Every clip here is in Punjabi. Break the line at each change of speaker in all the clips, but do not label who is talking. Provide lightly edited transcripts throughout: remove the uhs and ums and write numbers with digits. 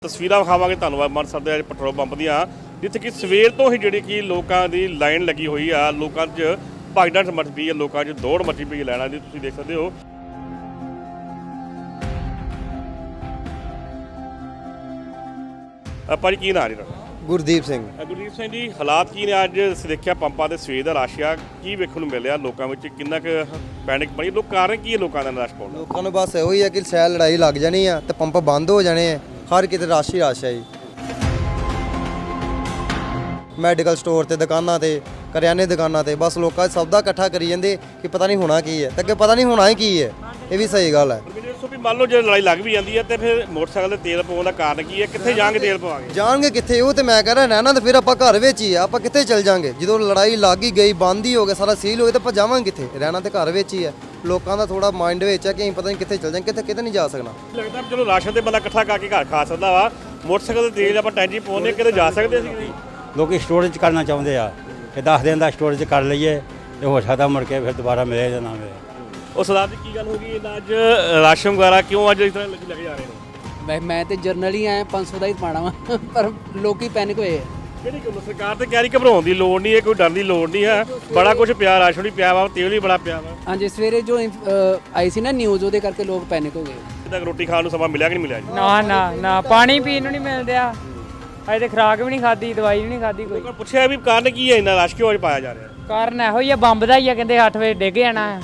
ਤਸਵੀਰਾਂ ਵਿਖਾਵਾਂਗੇ ਤੁਹਾਨੂੰ ਅੰਮ੍ਰਿਤਸਰ ਦੇ ਪੈਟਰੋਲ ਪੰਪ ਦੀਆਂ ਜਿੱਥੇ ਕਿ ਸਵੇਰ ਤੋਂ ਹੀ ਜਿਹੜੀ ਕਿ ਲੋਕਾਂ ਦੀ ਲਾਈਨ ਲੱਗੀ ਹੋਈ ਆ। ਲੋਕਾਂ 'ਚ ਭਗਦੜ ਮਚ ਪਈ ਹੈ, ਲੋਕਾਂ 'ਚ ਦੌੜ ਮਚੀ ਪਈ ਲੈਣਾ ਦੀ ਤੁਸੀਂ ਦੇਖ ਸਕਦੇ ਹੋ। ਭਾਜੀ ਕੀ ਨਾਂ ਜੀ ਤੁਹਾਡਾ?
ਗੁਰਦੀਪ ਸਿੰਘ।
ਗੁਰਦੀਪ ਸਿੰਘ ਜੀ, ਹਾਲਾਤ ਕੀ ਨੇ ਅੱਜ? ਅਸੀਂ ਦੇਖਿਆ ਪੰਪਾਂ ਦੇ ਸਵੇਰ ਦਾ ਰਸ਼ ਆ, ਕੀ ਵੇਖਣ ਨੂੰ ਮਿਲਿਆ ਲੋਕਾਂ ਵਿੱਚ? ਕਿੰਨਾ ਕੁ ਪੈਨਿਕ ਬਣੀ? ਲੋਕ ਕਾਰਨ ਕੀ ਹੈ ਲੋਕਾਂ ਦਾ ਰਸ਼ ਪਾਉਣ ਦਾ?
ਲੋਕਾਂ ਨੂੰ ਬਸ ਇਹੋ ਹੀ ਹੈ ਕਿ ਸ਼ਾਇਦ ਲੜਾਈ ਲੱਗ ਜਾਣੀ ਆ ਤੇ ਪੰਪ ਬੰਦ ਹੋ ਜਾਣੇ ਆ। ਹਰ ਕਿਤੇ ਰਸ਼ ਹੀ ਰਸ਼ ਹੈ ਜੀ। ਮੈਡੀਕਲ ਸਟੋਰ ਤੇ, ਦੁਕਾਨਾਂ ਤੇ, ਕਰਿਆਨੇ ਦੁਕਾਨਾਂ ਤੇ ਬਸ ਲੋਕਾਂ ਸਭ ਦਾ ਇਕੱਠਾ ਕਰੀ ਜਾਂਦੇ ਕਿ ਪਤਾ ਨਹੀਂ ਹੋਣਾ ਕੀ ਹੈ ਤੇ ਅੱਗੇ ਪਤਾ ਨਹੀਂ ਹੋਣਾ ਹੀ ਕੀ ਹੈ। ਇਹ ਵੀ ਸਹੀ ਗੱਲ ਹੈ।
ਵੀ ਮੰਨ ਲਓ ਜੇ ਲੜਾਈ ਲੱਗ ਵੀ ਜਾਂਦੀ ਹੈ ਤੇ ਫਿਰ ਮੋਟਰਸਾਈਕਲ ਦੇ ਤੇਲ ਪਾਉਣ ਦਾ ਕਾਰਨ ਕੀ ਹੈ? ਕਿੱਥੇ ਜਾਣਗੇ ਤੇਲ ਪਵਾਂਗੇ?
ਜਾਣਗੇ ਕਿੱਥੇ? ਉਹ ਤੇ ਮੈਂ ਕਹਿ ਰਿਹਾ ਰਹਿਣਾ ਤਾਂ ਫਿਰ ਆਪਾਂ ਘਰ ਵਿੱਚ ਹੀ ਆ। ਆਪਾਂ ਕਿੱਥੇ ਚੱਲ ਜਾਾਂਗੇ? ਜਦੋਂ ਲੜਾਈ ਲੱਗ ਹੀ ਗਈ, ਬੰਦ ਹੀ ਹੋ ਗਿਆ, ਸਾਰਾ ਸੀਲ ਹੋ ਗਿਆ ਤਾਂ ਆਪਾਂ ਜਾਵਾਂਗੇ ਕਿੱਥੇ? ਰਹਿਣਾ ਤੇ ਘਰ ਵਿੱਚ ਹੀ ਹੈ। ਲੋਕਾਂ ਦਾ ਥੋੜਾ ਮਾਈਂਡ ਵਿੱਚ ਹੈ ਕਿ ਅਸੀਂ ਪਤਾ ਨਹੀਂ ਕਿੱਥੇ ਚੱਲ ਜਾਾਂਗੇ, ਕਿਤੇ ਨਹੀਂ ਜਾ ਸਕਣਾ।
ਲੱਗਦਾ ਚਲੋ ਰਾਸ਼ਨ ਤੇ ਬੰਦਾ ਇਕੱਠਾ ਕਰਕੇ ਘਰ ਖਾ ਸਕਦਾ ਵਾ, ਮੋਟਰਸਾਈਕਲ ਦੇ ਤੇਲ ਆਪਾਂ ਟੈਂਕੀ ਪਾਉਣੇ ਕਿਤੇ ਜਾ ਸਕਦੇ ਅਸੀਂ?
ਲੋਕੀ ਸਟੋਰੇਜ ਕਰਨਾ ਚਾਹੁੰਦੇ ਆ ਕਿ 10 ਦਿਨ ਦਾ ਸਟੋਰੇਜ ਕਰ ਲਈਏ ਤੇ ਹੋ ਸਕਦਾ ਮੁੜ ਕੇ ਫਿਰ ਦੁਬਾਰਾ ਮਿਲੇ ਜਾਂ ਨਾ ਮਿਲੇ। ਉਹ
ਸਰਦਾਰ ਜੀ ਕੀ ਗੱਲ ਹੋ ਗਈ ਅੱਜ ਰਾਸ਼ਨ ਵਗੈਰਾ ਕਿਉਂ ਅੱਜ ਇਸ ਤਰ੍ਹਾਂ ਲੱਗੇ ਜਾ ਰਹੇ ਨੇ?
ਮੈਂ ਤੇ ਜਰਨਲ ਹੀ ਆਇਆ, 500 ਦਾ ਹੀ ਪਾਣਾ ਵਾ ਪਰ ਲੋਕੀ ਪੈਨਿਕ ਹੋਏ ਆ।
ਕਿਹੜੀ ਗੱਲ? ਸਰਕਾਰ ਤੇ ਕਹਿ ਰਹੀ ਘਬਰਾਉਣ ਦੀ ਲੋੜ ਨਹੀਂ ਹੈ, ਕੋਈ ਡਰ ਦੀ ਲੋੜ ਨਹੀਂ ਹੈ। ਬੜਾ ਕੁਝ ਪਿਆ, ਰਾਸ਼ਨ ਵੀ ਪਿਆ ਵਾ, ਤੇਲ ਵੀ ਬੜਾ ਪਿਆ ਵਾ।
ਹਾਂਜੀ, ਸਵੇਰੇ ਜੋ ਆਈ ਸੀ ਨਾ ਨਿਊਜ਼, ਉਹਦੇ ਕਰਕੇ ਲੋਕ ਪੈਨਿਕ ਹੋ ਗਏ।
ਤੱਕ ਰੋਟੀ ਖਾਣ ਨੂੰ ਸਮਾਂ ਮਿਲਿਆ ਕਿ ਨਹੀਂ ਮਿਲਿਆ ਜੀ?
ਨਾ ਪਾਣੀ ਪੀਣ ਨੂੰ ਨਹੀਂ ਮਿਲਦਿਆ। ਅਜੇ ਤੇ ਖੁਰਾਕ ਵੀ ਨਹੀਂ ਖਾਦੀ, ਦਵਾਈ ਵੀ ਨਹੀਂ ਖਾਦੀ ਕੋਈ।
ਲੋਕਾਂ ਪੁੱਛਿਆ ਵੀ ਕਾਰਨ ਕੀ ਹੈ ਇੰਨਾ ਰਸ਼ ਕਿਉਂ ਅੱਜ ਪਾਇਆ ਜਾ ਰਿਹਾ?
ਕਾਰਨ ਇਹੋ ਹੀ ਆ, ਬੰਬ ਦਾ ਹੀ ਆ। ਕਹਿੰਦੇ 8 ਵਜੇ ਡਿੱਗ ਜਾਣਾ ਆ।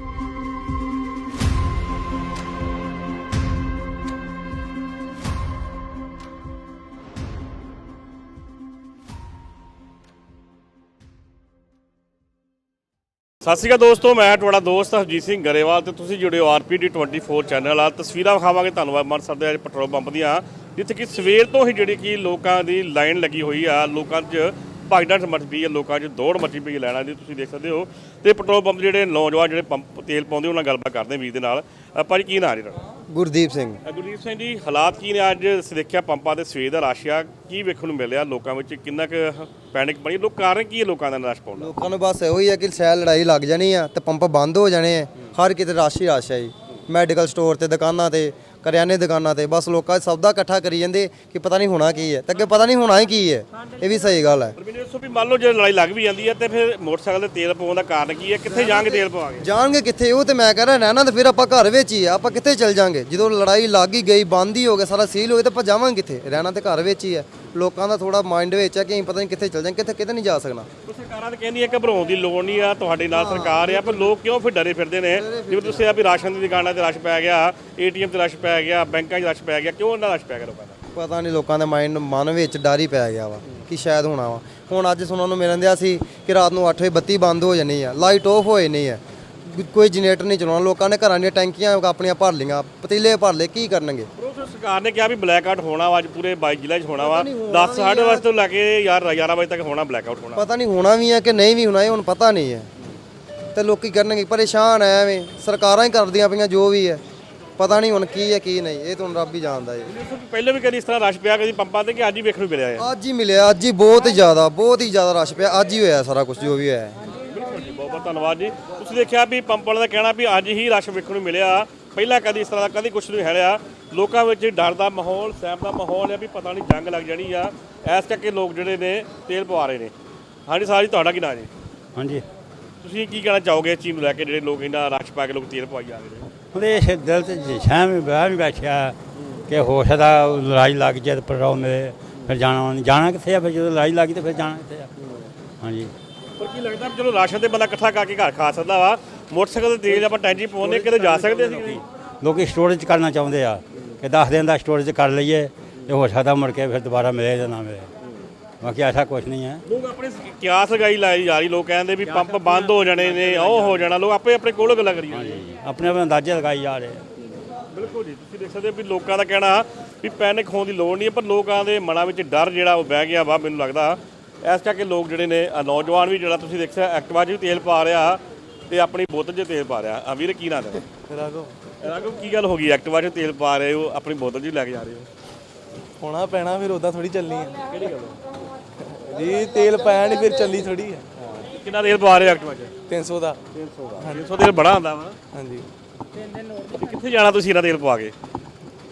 ਸਤਿ ਸ਼੍ਰੀ ਅਕਾਲ ਦੋਸਤੋ, ਮੈਂ ਤੁਹਾਡਾ ਦੋਸਤ ਹਰਜੀਤ ਸਿੰਘ ਗਰੇਵਾਲ ਤੇ ਤੁਸੀਂ ਜੁੜੇ ਹੋ ਆਰਪੀਡੀ 24 ਚੈਨਲ ਆ। ਤਸਵੀਰਾਂ ਵਿਖਾਵਾਂਗੇ ਤੁਹਾਨੂੰ ਅੰਮ੍ਰਿਤਸਰ ਦੇ ਪੈਟਰੋਲ ਪੰਪ ਦੀਆਂ ਜਿੱਥੇ ਕਿ ਸਵੇਰ ਤੋਂ ਹੀ ਜਿਹੜੀ ਕਿ ਲੋਕਾਂ ਦੀ ਲਾਈਨ ਲੱਗੀ ਹੋਈ ਆ। ਲੋਕਾਂ 'ਚ ਭਗਦੜ ਮਚ ਪਈ ਹੈ, ਲੋਕਾਂ 'ਚ ਦੌੜ ਮਚੀ ਪਈ ਲੈਣਾ ਦੀ ਤੁਸੀਂ ਦੇਖ ਸਕਦੇ ਹੋ। ਤੇ ਪੈਟਰੋਲ ਪੰਪ ਜਿਹੜੇ ਨੌਜਵਾਨ ਜਿਹੜੇ ਪੰਪ ਤੇਲ ਪਾਉਂਦੇ ਉਹਨਾਂ ਨਾਲ ਗੱਲਬਾਤ ਕਰਦੇ ਵੀਰ ਦੇ ਨਾਲ। ਭਾਜੀ ਕੀ ਨਾਂ ਜੀ ਤੁਹਾਡਾ?
ਗੁਰਦੀਪ ਸਿੰਘ।
ਗੁਰਦੀਪ ਸਿੰਘ ਜੀ, ਹਾਲਾਤ ਕੀ ਨੇ ਅੱਜ? ਅਸੀਂ ਦੇਖਿਆ ਪੰਪਾਂ ਦੇ ਸਵੇਰ ਦਾ ਰਸ਼ ਆ, ਕੀ ਵੇਖਣ ਨੂੰ ਮਿਲਿਆ ਲੋਕਾਂ ਵਿੱਚ? ਕਿੰਨਾ ਕੁ ਪੈਨਿਕ ਬਣੀ? ਲੋਕ ਕਾਰਨ ਕੀ ਹੈ ਲੋਕਾਂ ਦਾ ਰਸ਼ ਪਾਉਣ ਦਾ?
ਲੋਕਾਂ ਨੂੰ ਬਸ ਇਹੋ ਹੀ ਹੈ ਕਿ ਸ਼ਾਇਦ ਲੜਾਈ ਲੱਗ ਜਾਣੀ ਆ ਤੇ ਪੰਪ ਬੰਦ ਹੋ ਜਾਣੇ ਆ। ਹਰ ਕਿਤੇ ਰਸ਼ ਹੀ ਰਸ਼ ਹੈ ਜੀ। ਮੈਡੀਕਲ ਸਟੋਰ ਤੇ, ਦੁਕਾਨਾਂ ਤੇ, ਕਰਿਆਨੇ ਦੁਕਾਨਾਂ ਤੇ ਬਸ ਲੋਕਾਂ ਸਭ ਦਾ ਇਕੱਠਾ ਕਰੀ ਜਾਂਦੇ ਕਿ ਪਤਾ ਨਹੀਂ ਹੋਣਾ ਕੀ ਹੈ ਤੇ ਅੱਗੇ ਪਤਾ ਨਹੀਂ ਹੋਣਾ ਹੀ ਕੀ ਹੈ। ਇਹ ਵੀ ਸਹੀ ਗੱਲ ਹੈ।
ਵੀ ਮੰਨ ਲਓ ਜੇ ਲੜਾਈ ਲੱਗ ਵੀ ਜਾਂਦੀ ਹੈ ਤੇ ਫਿਰ ਮੋਟਰਸਾਈਕਲ ਦੇ ਤੇਲ ਪਾਉਣ ਦਾ ਕਾਰਨ ਕੀ ਹੈ? ਕਿੱਥੇ ਜਾਣਗੇ ਤੇਲ ਪਵਾਂਗੇ?
ਜਾਣਗੇ ਕਿੱਥੇ? ਉਹ ਤੇ ਮੈਂ ਕਹਿ ਰਿਹਾ ਰਹਿਣਾ ਤਾਂ ਫਿਰ ਆਪਾਂ ਘਰ ਵਿੱਚ ਹੀ ਆ। ਆਪਾਂ ਕਿੱਥੇ ਚੱਲ ਜਾਾਂਗੇ? ਜਦੋਂ ਲੜਾਈ ਲੱਗ ਹੀ ਗਈ, ਬੰਦ ਹੀ ਹੋ ਗਿਆ, ਸਾਰਾ ਸੀਲ ਹੋ ਗਿਆ ਤਾਂ ਆਪਾਂ ਜਾਵਾਂਗੇ ਕਿੱਥੇ? ਰਹਿਣਾ ਤੇ ਘਰ ਵਿੱਚ ਹੀ ਹੈ। ਲੋਕਾਂ ਦਾ ਥੋੜਾ ਮਾਈਂਡ ਵਿੱਚ ਹੈ ਕਿ ਅਸੀਂ ਪਤਾ ਨਹੀਂ ਕਿੱਥੇ ਚੱਲ ਜਾਾਂਗੇ, ਕਿਤੇ ਨਹੀਂ ਜਾ ਸਕਣਾ।
ਸਰਕਾਰਾਂ ਤਾਂ ਕਹਿੰਦੀਆਂ ਘਬਰਾਉਣ ਦੀ ਲੋੜ ਨਹੀਂ ਆ, ਤੁਹਾਡੇ ਨਾਲ ਸਰਕਾਰ ਆ, ਪਰ ਲੋਕ ਕਿਉਂ ਫਿਰ ਡਰੇ ਫਿਰਦੇ ਨੇ? ਜਿਵੇਂ ਤੁਸੀਂ ਆ ਵੀ ਰਾਸ਼ਨ ਦੀ ਦੁਕਾਨਾਂ ਤੇ ਰਸ਼ ਪੈ ਗਿਆ, ਏਟੀਐਮ ਤੇ ਰਸ਼ ਪੈ ਗਿਆ, ਬੈਂਕਾਂ 'ਚ ਰਸ਼ ਪੈ ਗਿਆ, ਕਿਉਂ ਉਹਨਾਂ ਰਸ਼ ਪੈ ਗਿਆ ਲੋਕਾਂ ਦਾ?
ਪਤਾ ਨਹੀਂ, ਲੋਕਾਂ ਦੇ ਮਨ ਵਿੱਚ ਡਰ ਹੀ ਪੈ ਗਿਆ ਵਾ ਕਿ ਸ਼ਾਇਦ ਹੋਣਾ ਵਾ। ਹੁਣ ਅੱਜ ਸੁਣਨ ਨੂੰ ਮਿਲਣ ਦਿਆ ਸੀ ਕਿ ਰਾਤ ਨੂੰ 8 ਵਜੇ ਬੱਤੀ ਬੰਦ ਹੋ ਜਾਣੀ ਆ, ਲਾਈਟ ਆਫ ਹੋਏ ਨਹੀਂ ਹੈ, ਕੋਈ ਜਨਰੇਟਰ ਨਹੀਂ ਚਲਾਉਣਾ। ਲੋਕਾਂ ਨੇ ਘਰਾਂ ਦੀਆਂ ਟੈਂਕੀਆਂ ਆਪਣੀਆਂ ਭਰ ਲਈਆਂ, ਪਤੀਲੇ ਭਰ ਲਏ, ਕੀ ਕਰਨਗੇ?
ਸਰਕਾਰ ਨੇ ਕਿਹਾ ਵੀ ਬਲੈਕ ਆਊਟ ਹੋਣਾ ਵਾ, ਅੱਜ ਪੂਰੇ 22 ਜ਼ਿਲ੍ਹੇ 'ਚ ਹੋਣਾ ਵਾ। 10 ਸਾਢੇ ਵਜੇ ਤੋਂ ਲੈ ਕੇ 11 ਵਜੇ ਤੱਕ ਹੋਣਾ ਬਲੈਕ ਆਊਟ ਹੋਣਾ।
ਪਤਾ ਨਹੀਂ ਹੋਣਾ ਵੀ ਹੈ ਕਿ ਨਹੀਂ ਵੀ ਹੋਣਾ, ਇਹ ਹੁਣ ਪਤਾ ਨਹੀਂ ਹੈ। ਤੇ ਲੋਕੀ ਕਰਨਗੇ, ਪਰੇਸ਼ਾਨ ਐ ਐਵੇਂ। ਸਰਕਾਰਾਂ ਹੀ ਕਰਦੀਆਂ ਪਈਆਂ ਜੋ ਵੀ ਹੈ, ਪਤਾ ਨਹੀਂ ਹੁਣ ਕੀ ਹੈ ਕੀ ਨਹੀਂ, ਇਹ ਤਾਂ ਹੁਣ ਰੱਬ ਹੀ ਜਾਣਦਾ ਹੈ।
ਪਹਿਲਾਂ ਵੀ ਕਦੀ ਇਸ ਤਰ੍ਹਾਂ ਰਸ਼ ਪਿਆ ਕਦੀ ਪੰਪਾਂ ਤੇ, ਕਿ ਅੱਜ ਹੀ ਵੇਖਣ ਨੂੰ ਮਿਲਿਆ ਹੈ?
ਅੱਜ ਹੀ ਮਿਲਿਆ, ਅੱਜ ਹੀ ਬਹੁਤ ਹੀ ਜ਼ਿਆਦਾ ਰਸ਼ ਪਿਆ। ਅੱਜ ਹੀ ਹੋਇਆ ਸਾਰਾ ਕੁਝ ਜੋ ਵੀ ਹੋਇਆ।
ਬਿਲਕੁਲ ਜੀ, ਬਹੁਤ ਬਹੁਤ ਧੰਨਵਾਦ ਜੀ। ਤੁਸੀਂ ਦੇਖਿਆ ਵੀ ਪੰਪ ਵਾਲਿਆਂ ਦਾ ਕਹਿਣਾ ਵੀ ਅੱਜ ਹੀ ਰਸ਼ ਵੇਖਣ ਨੂੰ ਮਿਲਿਆ, ਪਹਿਲਾਂ ਕਦੀ ਇਸ ਤਰ੍ਹਾਂ ਦਾ ਕਦੀ ਕੁਛ ਨਹੀਂ ਹੈੜਿਆ। ਲੋਕਾਂ ਵਿੱਚ ਡਰ ਦਾ ਮਾਹੌਲ, ਸਹਿਮ ਦਾ ਮਾਹੌਲ ਹੈ ਵੀ ਪਤਾ ਨਹੀਂ ਜੰਗ ਲੱਗ ਜਾਣੀ ਆ, ਇਸ ਕਰਕੇ ਲੋਕ ਜਿਹੜੇ ਨੇ ਤੇਲ ਪਵਾ ਰਹੇ ਨੇ। ਹਾਂਜੀ ਸਾਰੀ ਤੁਹਾਡਾ ਕੀ ਨਾਂ ਜੀ?
ਹਾਂਜੀ,
ਤੁਸੀਂ ਕੀ ਕਹਿਣਾ ਚਾਹੋਗੇ ਇਸ ਚੀਜ਼ ਨੂੰ ਲੈ ਕੇ, ਜਿਹੜੇ ਲੋਕ ਇਹਨਾਂ ਰਸ਼ ਪਾ ਕੇ ਲੋਕ ਤੇਲ ਪਵਾਈ ਜਾ ਰਹੇ ਨੇ?
ਉਹਦੇ ਇਸ ਦਿਲ 'ਚ ਸ਼ਹਿਮ ਵੀ ਬੈਠਿਆ ਕਿ ਹੋ ਸਕਦਾ ਲੜਾਈ ਲੱਗ ਜਾਏ ਤੇ ਪਰਵਾਹ ਮਿਲੇ, ਫਿਰ ਜਾਣਾ ਕਿੱਥੇ ਆ? ਫਿਰ ਜਦੋਂ ਲੜਾਈ ਲੱਗੀ ਤਾਂ ਫਿਰ ਜਾਣਾ ਕਿੱਥੇ ਆ? ਹਾਂਜੀ,
ਪਰ ਕੀ ਲੱਗਦਾ ਚਲੋ ਰਾਸ਼ਨ ਤੇ ਬੰਦਾ ਇਕੱਠਾ ਕਰਕੇ ਘਰ ਖਾ ਸਕਦਾ ਵਾ, ਮੋਟਰਸਾਈਕਲ ਦੇ ਤੇਲ ਆਪਾਂ ਟੈਂਕੀ ਪਾਉਣੇ ਕਿਤੇ ਜਾ ਸਕਦੇ ਅਸੀਂ?
ਲੋਕੀ ਸਟੋਰੇਜ ਕਰਨਾ ਚਾਹੁੰਦੇ ਆ ਕਿ 10 ਦਿਨ ਦਾ ਸਟੋਰੇਜ ਕਰ ਲਈਏ ਤੇ ਹੋ ਸਕਦਾ ਮੁੜ ਕੇ ਫਿਰ ਦੁਬਾਰਾ ਮਿਲੇ ਜਾਂ ਨਾ ਮਿਲੇ। ਬਾਕੀ ਐਸਾ ਕੁਝ ਨਹੀਂ ਹੈ।
ਲੋਕ ਆਪਣੇ ਕਿਆਸ ਲਗਾਈ ਲਾਈ ਜਾ ਰਹੀ, ਲੋਕ ਕਹਿੰਦੇ ਵੀ ਪੰਪ ਬੰਦ ਹੋ ਜਾਣੇ ਨੇ, ਉਹ ਹੋ ਜਾਣਾ। ਲੋਕ ਆਪਣੇ ਕੋਲੋਂ ਗੱਲਾਂ ਕਰੀ ਜਾਂਦੇ ਨੇ,
ਆਪਣੇ ਅੰਦਾਜ਼ੇ ਲਗਾਈ ਜਾ ਰਹੇ ਆ।
ਬਿਲਕੁਲ ਜੀ, ਤੁਸੀਂ ਦੇਖ ਸਕਦੇ ਹੋ ਵੀ ਲੋਕਾਂ ਦਾ ਕਹਿਣਾ ਵੀ ਪੈਨਿਕ ਹੋਣ ਦੀ ਲੋੜ ਨਹੀਂ ਹੈ, ਪਰ ਲੋਕਾਂ ਦੇ ਮਨਾਂ ਵਿੱਚ ਡਰ ਜਿਹੜਾ ਉਹ ਬਹਿ ਗਿਆ ਵਾ। ਮੈਨੂੰ ਲੱਗਦਾ ਇਸ ਕਰਕੇ ਲੋਕ ਜਿਹੜੇ ਨੇ, ਨੌਜਵਾਨ ਵੀ ਜਿਹੜਾ ਤੁਸੀਂ ਦੇਖਿਆ ਐਕਟਿਵਾ 'ਚ ਵੀ ਤੇਲ ਪਾ ਰਿਹਾ ਤੇ ਆਪਣੀ ਬੋਤਲ 'ਚ ਤੇਲ ਪਾ ਰਿਹਾ। ਵੀਰ ਕੀ ਨਾਂ ਹੈ? ਰਾਘਵ, ਕੀ ਗੱਲ ਹੋ ਗਈ? ਐਕਟਿਵਾ 'ਚ ਤੇਲ ਪਾ ਰਹੇ ਹੋ, ਆਪਣੀ ਬੋਤਲ 'ਚ ਲੈ ਕੇ ਜਾ ਰਹੇ ਹੋ?
ਹੋਣਾ ਪੈਣਾ, ਫਿਰ ਉਦਾਂ ਥੋੜੀ ਚੱਲਣੀ ਹੈ
ਕਿਹੜੀ ਗੱਲ
ਜੀ? ਤੇਲ ਪਾਇਆ ਨਹੀਂ ਫਿਰ ਚੱਲੀ ਥੋੜੀ ਹੈ।
ਕਿੰਨਾ ਤੇਲ ਪਾ ਰਹੇ ਐਕਟਿਵਾ 'ਚ?
300 ਦਾ।
300 ਤੇਲ ਬੜਾ ਹੁੰਦਾ ਵਾ।
ਹਾਂਜੀ,
ਕਿੱਥੇ ਜਾਣਾ ਤੁਸੀਂ ਇਹਨਾਂ ਤੇਲ ਪਵਾ ਕੇ?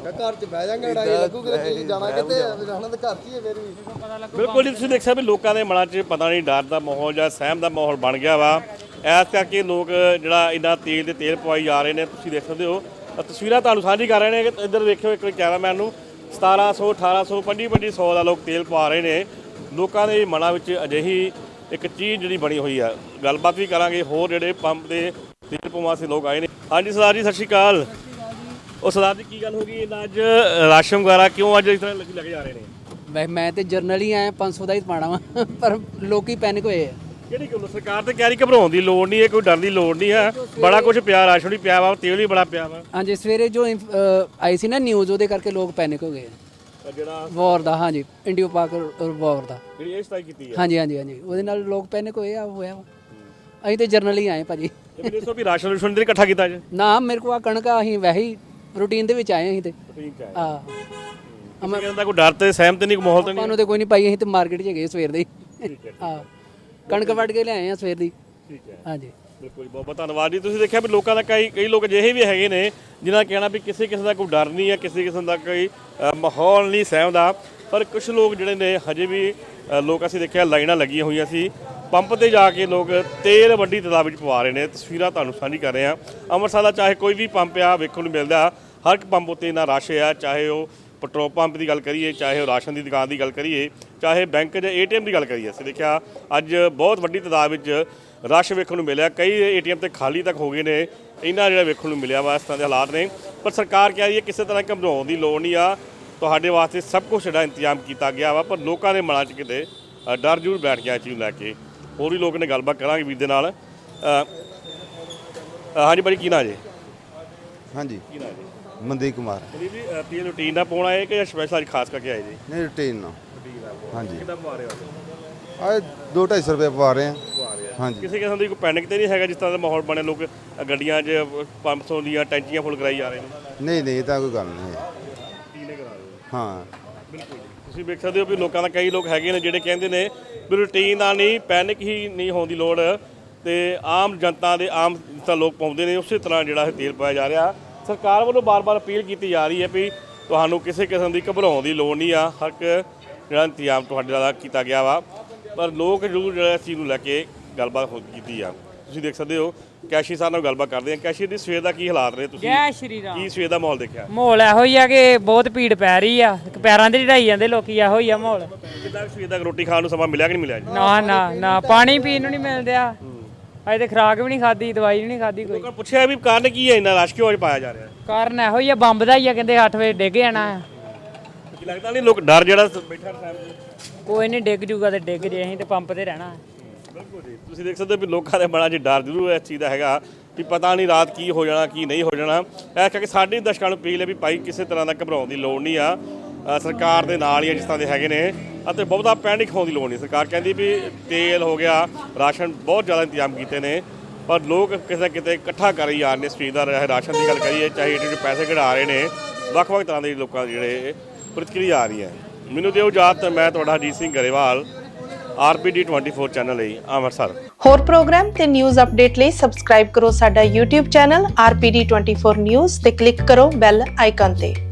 ਘਰ 'ਚ ਬਹਿ ਜਾਂਗੇ ਲੜਾਈ ਲੱਗੂਗੀ ਕੀ ਜਾਣਾ ਕਿੱਥੇ ਜਾਣਾ ਤਾਂ ਘਰ 'ਚ ਹੀ ਹੈ ਫਿਰ ਵੀ।
ਬਿਲਕੁਲ ਜੀ, ਤੁਸੀਂ ਦੇਖਿਆ ਵੀ ਲੋਕਾਂ ਦੇ ਮਨਾਂ 'ਚ ਪਤਾ ਨਹੀਂ ਡਰ ਦਾ ਮਾਹੌਲ ਜਾਂ ਸਹਿਮ ਦਾ ਮਾਹੌਲ ਬਣ ਗਿਆ ਵਾ। ਇਸ ਕਰਕੇ ਲੋਕ ਜਿਹੜਾ ਇੰਨਾ ਤੇਲ ਦੇ ਤੇਲ ਪਵਾਈ ਜਾ ਰਹੇ ਨੇ। ਤੁਸੀਂ ਦੇਖ ਸਕਦੇ ਹੋ ਤਸਵੀਰਾਂ ਤੁਹਾਨੂੰ ਸਾਂਝੀ ਕਰ ਰਹੇ ਨੇ ਕਿ ਇੱਧਰ ਵੇਖਿਓ ਇੱਕ ਕੈਮਰਾਮੈਨ ਨੂੰ 1700 1800 2500 ਦਾ ਲੋਕ ਤੇਲ ਪਵਾ ਰਹੇ ਨੇ। ਲੋਕਾਂ ਦੇ ਮਨਾਂ ਵਿੱਚ ਅਜਿਹੀ ਇੱਕ ਚੀਜ਼ ਜਿਹੜੀ ਬਣੀ ਹੋਈ ਆ। ਗੱਲਬਾਤ ਵੀ ਕਰਾਂਗੇ ਹੋਰ ਜਿਹੜੇ ਪੰਪ ਦੇ ਤੇਲ ਪਵਾ ਸੇ ਲੋਕ ਆਏ ਨੇ। ਹਾਂਜੀ ਸਰਦਾਰ ਜੀ, ਸਤਿ ਸ਼੍ਰੀ ਅਕਾਲ। ਉਹ ਸਰਦਾਰ ਜੀ, ਕੀ ਗੱਲ ਹੋ ਗਈ ਇਹਨਾਂ ਅੱਜ ਰਾਸ਼ਨ ਵਗੈਰਾ ਕਿਉਂ ਅੱਜ ਇਸ ਤਰ੍ਹਾਂ ਲੱਗੇ ਜਾ ਰਹੇ ਨੇ?
ਮੈਂ ਤੇ ਜਰਨਲ ਹੀ ਆਇਆ 500 ਦਾ ਹੀ ਪਾਣਾ ਵਾ ਪਰ ਲੋਕੀ ਪੈਨਿਕ ਹੋਏ ਆ।
ਕਿਹੜੀ ਗੱਲ? ਸਰਕਾਰ ਤੇ ਕਹਿ ਰਹੀ ਘਬਰਾਉਣ ਦੀ ਲੋੜ ਨਹੀਂ ਹੈ, ਕੋਈ ਡਰ ਦੀ ਲੋੜ ਨਹੀਂ ਹੈ। ਬੜਾ ਕੁਝ ਪਿਆ, ਰਾਸ਼ਨ ਵੀ ਪਿਆ ਵਾ, ਤੇਲ ਵੀ ਬੜਾ ਪਿਆ ਵਾ।
ਹਾਂਜੀ, ਸਵੇਰੇ ਜੋ ਆਈ ਸੀ ਨਾ ਨਿਊਜ਼, ਉਹਦੇ ਕਰਕੇ ਲੋਕ ਪੈਨਿਕ ਹੋ ਗਏ ਆ।
ਜਿਹੜਾ
ਵਾਰ ਦਾ, ਹਾਂਜੀ, ਇੰਡੀਓ ਪਾਕ ਵਾਰ ਦਾ,
ਜਿਹੜੀ ਇਹ ਸਟ੍ਰਾਈਕ ਕੀਤੀ ਹੈ,
ਹਾਂਜੀ ਹਾਂਜੀ ਹਾਂਜੀ, ਉਹਦੇ ਨਾਲ ਲੋਕ ਪੈਨਿਕ ਹੋਏ ਆ, ਹੋਇਆ ਵਾ। ਅਸੀਂ ਤੇ ਜਰਨਲ ਹੀ ਆਏ ਭਾਜੀ।
ਤੇ ਮੈਨੂੰ ਦੱਸੋ ਵੀ ਰਾਸ਼ਨ ਰੂਸ਼ਨ ਦੇ ਇਕੱਠਾ ਕੀਤਾ ਅੱਜ?
ਨਾ, ਮੇਰੇ ਕੋਲ ਆ ਕਣਕ ਆ, ਅਸੀਂ ਵੈਸੇ ਹੀ ਰੂਟੀਨ ਦੇ ਵਿੱਚ ਆਏ ਅਸੀਂ ਤੇ।
ਠੀਕ ਹੈ।
ਹਾਂ,
ਮੈਂ ਕਹਿੰਦਾ ਕੋਈ ਡਰ ਤੇ ਸਹਿਮ ਤੇ ਨਹੀਂ, ਕੋਈ ਮਾਹੌਲ ਤੇ ਨਹੀਂ।
ਸਾਨੂੰ ਤੇ ਕੋਈ ਨਹੀਂ ਪਾਈ, ਅਸੀਂ ਤੇ ਮਾਰਕੀਟ 'ਚ ਗਏ ਸਵੇਰ ਦੇ ਹੀ।
ਠੀਕ ਹੈ।
ਹਾਂ, ਕਣਕ ਵੱਢ ਕੇ ਲਿਆਏ ਆ ਸਵੇਰ ਦੀ।
ਠੀਕ ਹੈ,
ਹਾਂਜੀ,
ਬਿਲਕੁਲ ਬਹੁਤ ਬਹੁਤ ਧੰਨਵਾਦ ਜੀ। ਤੁਸੀਂ ਦੇਖਿਆ ਵੀ ਲੋਕਾਂ ਦਾ ਕਈ ਲੋਕ ਅਜਿਹੇ ਵੀ ਹੈਗੇ ਨੇ ਜਿਨ੍ਹਾਂ ਕਹਿਣਾ ਵੀ ਕਿਸੇ ਕਿਸਮ ਦਾ ਕੋਈ ਡਰ ਨਹੀਂ ਹੈ, ਕਿਸੇ ਕਿਸਮ ਦਾ ਕੋਈ ਮਾਹੌਲ ਨਹੀਂ ਸਹਿਮ ਦਾ। ਪਰ ਕੁਝ ਲੋਕ ਜਿਹੜੇ ਨੇ ਹਜੇ ਵੀ ਲੋਕ ਅਸੀਂ ਦੇਖਿਆ ਲਾਈਨਾਂ ਲੱਗੀਆਂ ਹੋਈਆਂ ਸੀ ਪੰਪ ਤੇ ਜਾ ਕੇ ਲੋਕ ਤੇਲ ਵੱਡੀ ਤਾਦਾਦ ਵਿੱਚ ਪਵਾ ਰਹੇ ਨੇ। ਤਸਵੀਰਾਂ ਤੁਹਾਨੂੰ ਸਾਂਝੀ ਕਰ ਰਹੇ ਹਾਂ। ਅੰਮ੍ਰਿਤਸਰ ਦਾ ਚਾਹੇ ਕੋਈ ਵੀ ਪੰਪ ਆ ਵੇਖਣ ਨੂੰ ਮਿਲਦਾ, ਹਰ ਇੱਕ ਪੰਪ ਉੱਤੇ ਇੰਨਾ ਰਸ਼ ਆ। ਚਾਹੇ ਉਹ ਪੈਟਰੋਲ ਪੰਪ ਦੀ ਗੱਲ ਕਰੀਏ, ਚਾਹੇ ਉਹ ਰਾਸ਼ਨ ਦੀ ਦੁਕਾਨ ਦੀ ਗੱਲ ਕਰੀਏ, ਚਾਹੇ ਬੈਂਕ ਜਾਂ ATM ਦੀ ਗੱਲ ਕਰੀਏ। ਅਸੀਂ ਦੇਖਿਆ ਅੱਜ ਬਹੁਤ ਵੱਡੀ ਤਾਦਾਦ ਵਿੱਚ ਰਸ਼ ਵੇਖਣ ਨੂੰ ਮਿਲਿਆ। ਕਈ ATM ਤੇ ਖਾਲੀ ਤੱਕ ਹੋ ਗਏ ਨੇ। ਇਹਨਾਂ ਜਿਹੜਾ ਵੇਖਣ ਨੂੰ ਮਿਲਿਆ ਵਾ, ਇਸ ਤਰ੍ਹਾਂ ਦੇ ਹਾਲਾਤ ਨੇ। ਪਰ ਸਰਕਾਰ ਕਹਿ ਰਹੀ ਹੈ ਕਿਸੇ ਤਰ੍ਹਾਂ ਘਬਰਾਉਣ ਦੀ ਲੋੜ ਨਹੀਂ ਆ, ਤੁਹਾਡੇ ਵਾਸਤੇ ਸਭ ਕੁਝ ਜਿਹੜਾ ਇੰਤਜ਼ਾਮ ਕੀਤਾ ਗਿਆ ਵਾ। ਪਰ ਲੋਕਾਂ ਦੇ ਮਨਾਂ 'ਚ ਕਿਤੇ ਡਰ ਜ਼ਰੂਰ ਬੈਠ ਗਿਆ ਇਸ ਚੀਜ਼ ਨੂੰ ਲੈ ਕੇ। ਹੋਰ ਵੀ ਲੋਕ ਨੇ, ਗੱਲਬਾਤ ਕਰਾਂਗੇ ਵੀਰ ਦੇ ਨਾਲ। ਹਾਂਜੀ ਭਾਜੀ, ਕੀ ਨਾਂ ਜੀ?
ਹਾਂਜੀ,
ਕੀ ਨਾਂ ਜੀ?
ਮਨਦੀਪ ਕੁਮਾਰ।
ਜੀ ਤੇਲ ਰੂਟੀਨ ਦਾ ਪਾਉਣਾ ਹੈ ਕਿ ਸਪੈਸ਼ਲ ਅੱਜ ਖਾਸ ਕਰਕੇ ਆਏ ਜੀ?
ਨਹੀਂ, ਰੂਟੀਨ ਨਾਲ। ਹਾਂਜੀ,
ਕਿੱਦਾਂ ਪਵਾ ਰਹੇ ਹੋ?
ਆ 2-250 ਰੁਪਏ ਪਵਾ ਰਹੇ ਆ। ਹਾਂਜੀ,
ਕਿਸੇ ਕਿਸਮ ਦੀ ਕੋਈ ਪੈਨਿਕ ਤੇ ਨਹੀਂ ਹੈਗਾ? ਜਿਸ ਤਰ੍ਹਾਂ ਦਾ ਮਾਹੌਲ ਬਣਿਆ, ਲੋਕ ਗੱਡੀਆਂ 'ਚ 500 ਦੀਆਂ ਟੈਂਕੀਆਂ ਫੁੱਲ ਕਰਾਈ ਜਾ ਰਹੇ ਨੇ।
ਨਹੀਂ ਨਹੀਂ, ਇਹ ਤਾਂ ਕੋਈ ਗੱਲ ਨਹੀਂ ਹੈ।
ਕੀਨੇ ਕਰਾ ਰਹੇ ਹੋ?
ਹਾਂ,
ਬਿਲਕੁਲ। ਤੁਸੀਂ ਵੇਖ ਸਕਦੇ ਹੋ ਵੀ ਲੋਕਾਂ ਦਾ, ਕਈ ਲੋਕ ਹੈਗੇ ਨੇ ਜਿਹੜੇ ਕਹਿੰਦੇ ਨੇ ਵੀ ਰੂਟੀਨ ਦਾ ਨਹੀਂ, ਪੈਨਿਕ ਹੀ ਨਹੀਂ ਹੋਣ ਦੀ ਲੋੜ। ਤੇ ਆਮ ਜਨਤਾ ਦੇ ਆਮ ਜਿਸ ਤਰ੍ਹਾਂ ਲੋਕ ਪਾਉਂਦੇ ਨੇ ਉਸੇ ਤਰ੍ਹਾਂ ਜਿਹੜਾ ਇਹ ਤੇਲ ਪਾਇਆ ਜਾ ਰਿਹਾ। ਸਰਕਾਰ ਵੱਲੋਂ ਬਾਰ-ਬਾਰ ਅਪੀਲ ਕੀਤੀ ਜਾ ਰਹੀ ਹੈ ਵੀ ਤੁਹਾਨੂੰ ਕਿਸੇ ਕਿਸਮ ਦੀ ਘਬਰਾਉਣ ਦੀ ਲੋੜ ਨਹੀਂ ਆ। ਹਰ ਇੱਕ ਜਿਹੜਾ ਇੰਤਜ਼ਾਮ ਤੁਹਾਡੇ ਨਾਲ ਕੀਤਾ ਗਿਆ ਵਾ। ਪਰ ਲੋਕ ਜ਼ਰੂਰ ਜਿਹੜਾ ਇਸ ਚੀਜ਼ ਨੂੰ ਲੈ ਕੇ ਗੱਲਬਾਤ ਕੀਤੀ ਆ। ਤੁਸੀਂ ਦੇਖ ਸਕਦੇ ਹੋ ਕੈਸ਼ੀ ਸਾਹਿਬ ਨਾਲ ਗੱਲਬਾਤ ਕਰਦੇ ਆ। ਕੈਸ਼ੀ ਦੀ ਸਵੇਰ ਦਾ ਕੀ ਹਾਲਾਤ ਨੇ? ਤੁਸੀਂ
ਜੈ ਸ਼੍ਰੀ ਰਾਮ।
ਕੀ ਸਵੇਰ ਦਾ ਮਾਹੌਲ ਦੇਖਿਆ?
ਮਾਹੌਲ ਇਹੋ ਹੀ ਆ ਕਿ ਬਹੁਤ ਭੀੜ ਪੈ ਰਹੀ ਆ, ਪੈਰਾਂ ਤੇ ਢਾਈ ਜਾਂਦੇ ਲੋਕੀ, ਇਹੋ ਹੀ ਆ ਮਾਹੌਲ।
ਕਿੱਦਾਂ ਸਵੇਰ ਦਾ ਰੋਟੀ ਖਾਣ ਨੂੰ ਸਮਾਂ ਮਿਲਿਆ ਕਿ ਨਹੀਂ ਮਿਲਿਆ ਜੀ?
ਨਾ ਨਾ ਨਾ, ਪਾਣੀ ਪੀਣ ਨੂੰ ਨਹੀਂ ਮਿਲਦਿਆ। ਅਜੇ ਤੇ ਖੁਰਾਕ ਵੀ ਨਹੀਂ ਖਾਦੀ, ਦਵਾਈ ਵੀ ਨਹੀਂ ਖਾਦੀ ਕੋਈ।
ਲੋਕਾਂ ਪੁੱਛਿਆ ਵੀ ਕਾਰਨ ਕੀ ਹੈ ਇੰਨਾ ਰਸ਼ ਕਿਉਂ ਅੱਜ ਪਾਇਆ ਜਾ ਰਿਹਾ?
ਕਾਰਨ ਇਹੋ ਹੀ ਆ, ਬੰਬ ਦਾ ਹੀ ਆ, ਕਹਿੰਦੇ 8 ਵਜੇ ਡਿੱਗ ਜਾਣਾ ਆ।
ਕੀ ਲੱਗਦਾ ਨਹੀਂ ਲੋਕ ਡਰ ਜਿਹੜਾ ਬੈਠਾ ਟਾਈਮ?
ਕੋਈ ਨਹੀਂ, ਡਿੱਗ ਜੂਗਾ ਤੇ ਡਿੱਗ ਜੇ, ਅਸੀਂ ਤੇ ਪੰਪ ਤੇ ਰਹਿਣਾ।
ਬਿਲਕੁਲ ਜੀ, ਤੁਸੀਂ ਦੇਖ ਸਕਦੇ ਹੋ ਵੀ ਲੋਕਾਂ ਦੇ ਮਨਾਂ 'ਚ ਡਰ ਜ਼ਰੂਰ ਇਸ ਚੀਜ਼ ਦਾ ਹੈਗਾ ਵੀ ਪਤਾ ਨਹੀਂ ਰਾਤ ਕੀ ਹੋ ਜਾਣਾ, ਕੀ ਨਹੀਂ ਹੋ ਜਾਣਾ। ਇਸ ਕਰਕੇ ਸਾਡੇ ਦਰਸ਼ਕਾਂ ਨੂੰ ਅਪੀਲ ਹੈ ਵੀ ਭਾਈ ਕਿਸੇ ਤਰ੍ਹਾਂ ਦਾ ਘਬਰਾਉਣ ਦੀ ਲੋੜ ਨਹੀਂ ਆ। ਸਰਕਾਰ ਦੇ ਨਾਲ ਹੀ ਆ ਜਿਸ ਤਰ੍ਹਾਂ ਦੇ ਹੈਗੇ ਨੇ, ਅਤੇ ਬਹੁਤਾ ਪੈਨਿਕ ਹੋਣ ਦੀ ਲੋੜ ਨਹੀਂ। ਸਰਕਾਰ ਕਹਿੰਦੀ ਵੀ ਤੇਲ ਹੋ ਗਿਆ, ਰਾਸ਼ਨ ਬਹੁਤ ਜ਼ਿਆਦਾ ਇੰਤਜ਼ਾਮ ਕੀਤੇ ਨੇ। ਪਰ ਲੋਕ ਕਿਸੇ ਨਾ ਕਿਤੇ ਇਕੱਠਾ ਕਰੀ ਜਾ ਰਹੇ ਨੇ ਸਪੀਡ ਦਾ। ਰਾਸ਼ਨ ਦੀ ਗੱਲ ਕਰੀਏ, ਚਾਹੇ ਜਿਹੜੇ ਪੈਸੇ ਕਢਾ ਰਹੇ ਨੇ, ਵੱਖ-ਵੱਖ ਤਰ੍ਹਾਂ ਦੇ ਲੋਕਾਂ ਦੇ ਜਿਹੜੇ ਪ੍ਰਤੀਕਿਰਿਆ ਆ ਰਹੀ ਹੈ। ਮੈਨੂੰ ਦਿਓ ਇਜਾਜ਼ਤ, ਮੈਂ ਤੁਹਾਡਾ ਅਜੀਤ ਸਿੰਘ ਗਰੇਵਾਲ, RPD 24 ਚੈਨਲ ਲਈ ਅੰਮ੍ਰਿਤਸਰ।
ਹੋਰ ਪ੍ਰੋਗਰਾਮ ਤੇ ਨਿਊਜ਼ ਅਪਡੇਟ ਲਈ ਸਬਸਕ੍ਰਾਈਬ ਕਰੋ ਸਾਡਾ YouTube ਚੈਨਲ RPD 24 ਨਿਊਜ਼ ਤੇ ਕਲਿੱਕ ਕਰੋ ਬੈਲ ਆਈਕਨ ਤੇ।